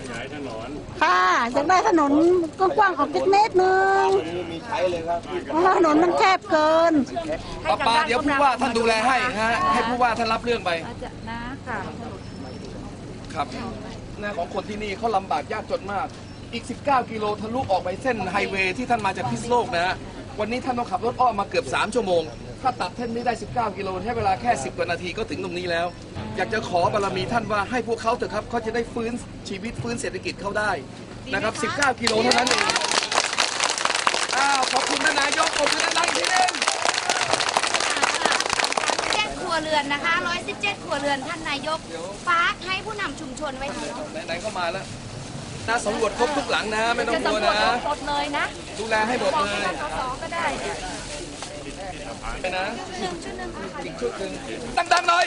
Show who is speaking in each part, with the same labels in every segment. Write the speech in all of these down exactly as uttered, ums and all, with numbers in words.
Speaker 1: ค่ะอยากได้ถนนกว้างๆออกสักเมตรหนึ่งมีใช้เลยครับเพราะถนนมันแคบเกิน
Speaker 2: ป้าปาเดี๋ยวผู้ว่าท่านดูแลให้ฮะให้ผู้ว่าท่านรับเรื่องไป
Speaker 3: นะค่ะ
Speaker 2: ครับหน้าของคนที่นี่เขาลำบากยากจนมากอีกสิบเก้ากิโลทะลุออกไปเส้นไฮเวย์ที่ท่านมาจากพิษณุโลกนะฮะวันนี้ท่านต้องขับรถอ้อมมาเกือบสามชั่วโมงถ้าตัดเส้นนี้ได้สิบเก้ากิโลใช้เวลาแค่สิบกว่านาทีก็ถึงตรงนี้แล้วอยากจะขอบารมีท่านว่าให้พวกเขาเถอะครับเขาจะได้ฟื้นชีวิตฟื้นเศรษฐกิจเขาได้นะครับสิบเก้ากิโลเท่านั้นเองอ้าวขอบคุณท่านนายกขอบคุณท่านนายกทีนึง
Speaker 3: เจ็ดครัวเรือนนะคะร้อยสิบเจ็ดครัวเรือนท่านนายกฝากให้ผู้นำชุมชนไว้ให้
Speaker 2: ไหนๆเข้ามาแล้วน่าสำรวจครบทุกหลังนะไม่ต้องกลัวนะ
Speaker 3: หมดเลยนะ
Speaker 2: ดูแลให้หมดเลย
Speaker 3: ก็ได้
Speaker 2: ไปนะ
Speaker 3: หนึ่งชุดหนึ่ง
Speaker 2: อีกชุดหนึ่งดังๆหน่อย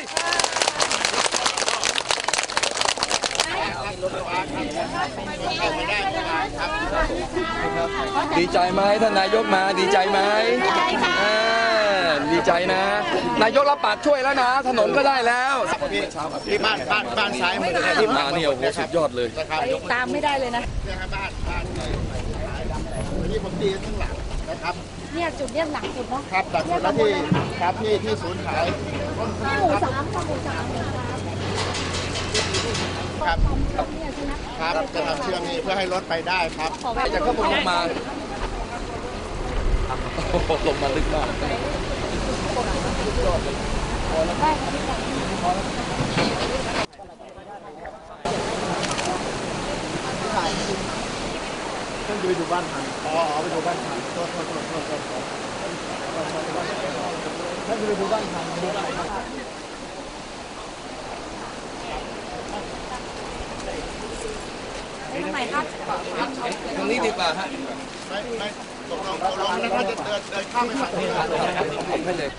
Speaker 2: ดีใจไหมท่านนายกมาดีใจไหมดีใจนะนายกรับปากช่วยแล้วนะถนนก็ได้แล้ว
Speaker 4: ที่บ้านบ้านบ้านซ้ายมือ
Speaker 2: ที่มาเนี่ยโอ้โหสุดยอดเลย
Speaker 3: ตามไม่ได้เลยนะ
Speaker 4: บ้านบ้านที่ผมตีข้างหลังนะครับ
Speaker 3: เนี่ยจุดเนี้ยหนักสุดเนาะ
Speaker 4: ครับหนักสุดแล้วที่ครับที่ที่ศูนย์หาย
Speaker 3: หมู่สามหมู่สาม
Speaker 4: ครับครับจะทำเชื่อมนี้เพื่อให้รถไปได้ครับ
Speaker 2: จากข้างบนลงมาลงมาลึกมาก
Speaker 4: ท่านไปดูบ้านพันอ๋อไปดูบ้านพันโทษโทษโทษโทษโทษท่านไปดูบ้านพันดูบ้านพัน
Speaker 3: ทำไมครับ
Speaker 2: ตรงนี้ดีกว่าฮะ
Speaker 4: ไม่ไม่ตกลงตกลงแล้วถ้าจะเดินเดินข้ามไปฝั่งนี้
Speaker 2: ให้เลย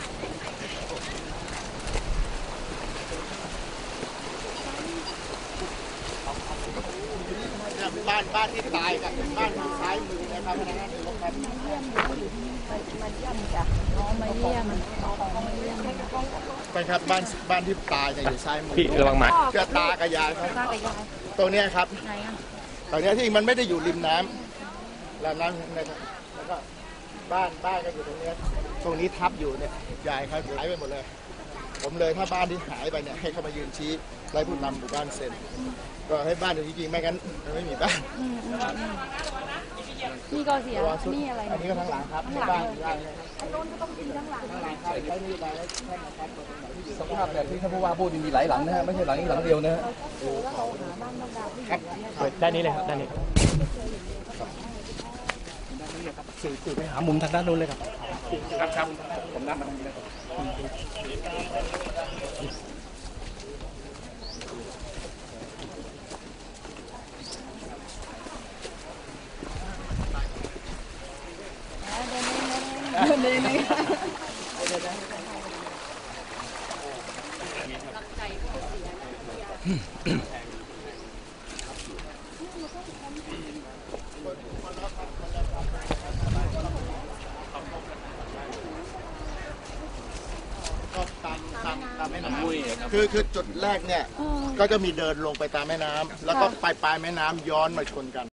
Speaker 4: บ้านบ้านที่ตายกับบ้านทางซ้ายมือนะครับนะฮะครับ
Speaker 3: มาเยี่ยมจ้ะน้องมาเยี่ยม
Speaker 4: ไปครับบ้านบ้านที่ตายจะอยู่ซ้ายมือ
Speaker 5: พี่ระวังหมัด
Speaker 4: เชื่อตากระยายครับตรงนี้ครับตรงนี้ที่มันไม่ได้อยู่ริมน้ำแล้วน้ำนะครับแล้วก็บ้านบ้านก็อยู่ตรงนี้ตรงนี้ทับอยู่เนี่ยยายครับหายไปหมดเลยผมเลยถ้าบ้านที่หายไปเนี่ยให้เขามายืนชี้ไล่ผู้นำหมู่บ้านเซ็นก็ให้บ้านจริงๆไม่งั้นไม่มีบ้าน
Speaker 3: นี่ก็เสียนี่อะไร
Speaker 4: อันนี้ก็ทั้งหลังครับในบ้านบ้าน
Speaker 3: อันนู้นก็ต้องมีทั้งหลัง
Speaker 4: ทั้งหลังครับใช้นี่ไปแล้วท่านนะครับ
Speaker 2: สภาพแบบที่ท่านผู้ว่าพูดมีหลายหลังนะฮะไม่ใช่หลังนี้หลังเดียวนะฮะ
Speaker 4: ครับ
Speaker 5: ด้านนี้เลยครับด้านนี้
Speaker 4: สื่อสื่อไปหามุมทางด้านนู้นเลยครับ
Speaker 2: ครับครับผมนัดมาทางนี้เลย
Speaker 3: นี่นี่
Speaker 4: ก็ตามตามตามแม่น้ำคือคือจุดแรกเนี่ยก็จะมีเดินลงไปตามแม่น้ำแล้วก็ปลายปลายแม่น้ำย้อนมาชนกัน